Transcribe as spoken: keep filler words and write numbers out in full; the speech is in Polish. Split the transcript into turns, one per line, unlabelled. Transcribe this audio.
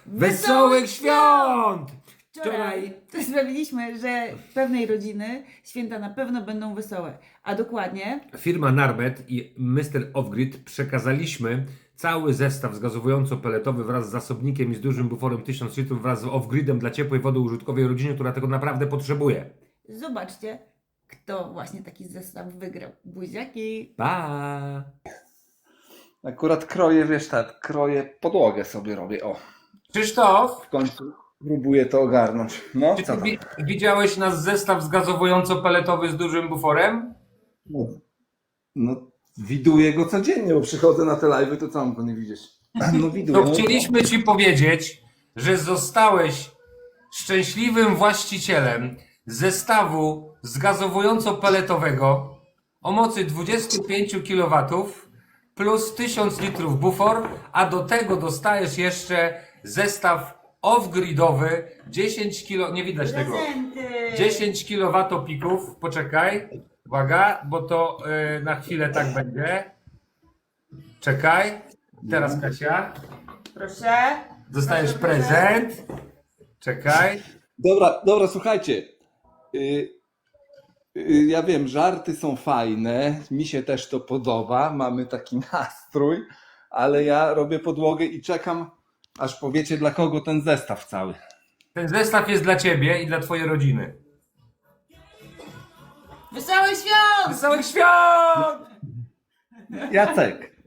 Wesołych świąt!
Wczoraj sprawiliśmy, że pewnej rodziny święta na pewno będą wesołe. A dokładnie
Firma Narbet i mister Offgrid przekazaliśmy cały zestaw zgazowująco-peletowy wraz z zasobnikiem i z dużym buforem tysiąc litrów wraz z Offgridem dla ciepłej wody użytkowej rodzinie, która tego naprawdę potrzebuje.
zobaczcie, kto właśnie taki zestaw wygrał. Buziaki!
Pa!
Akurat kroję, wiesz tak, kroję podłogę sobie robię, o.
Krzysztof,
W końcu próbuję to ogarnąć. No,
czy
co
ty
tam?
wi- widziałeś nasz zestaw zgazowująco-peletowy z dużym buforem?
No, no, widuję go codziennie, bo przychodzę na te live'y, to co mam go nie widzieć? No widuję.
To chcieliśmy Ci powiedzieć, że zostałeś szczęśliwym właścicielem zestawu zgazowująco-peletowego o mocy dwadzieścia pięć kilowatów plus tysiąc litrów bufor, a do tego dostajesz jeszcze zestaw off-gridowy dziesięć kilo, nie widać tego,
Prezenty!
dziesięć kilowatopików, poczekaj, uwaga, bo to yy, na chwilę tak będzie, czekaj, teraz Kasia.
Proszę.
Dostajesz
Proszę, proszę.
prezent. Czekaj.
Dobra, dobra, słuchajcie. Y, y, ja wiem, żarty są fajne, mi się też to podoba, mamy taki nastrój, ale ja robię podłogę i czekam, aż powiecie, dla kogo ten zestaw cały.
Ten zestaw jest dla ciebie i dla twojej rodziny.
Wesołych świąt!
Wesołych świąt!
Jacek,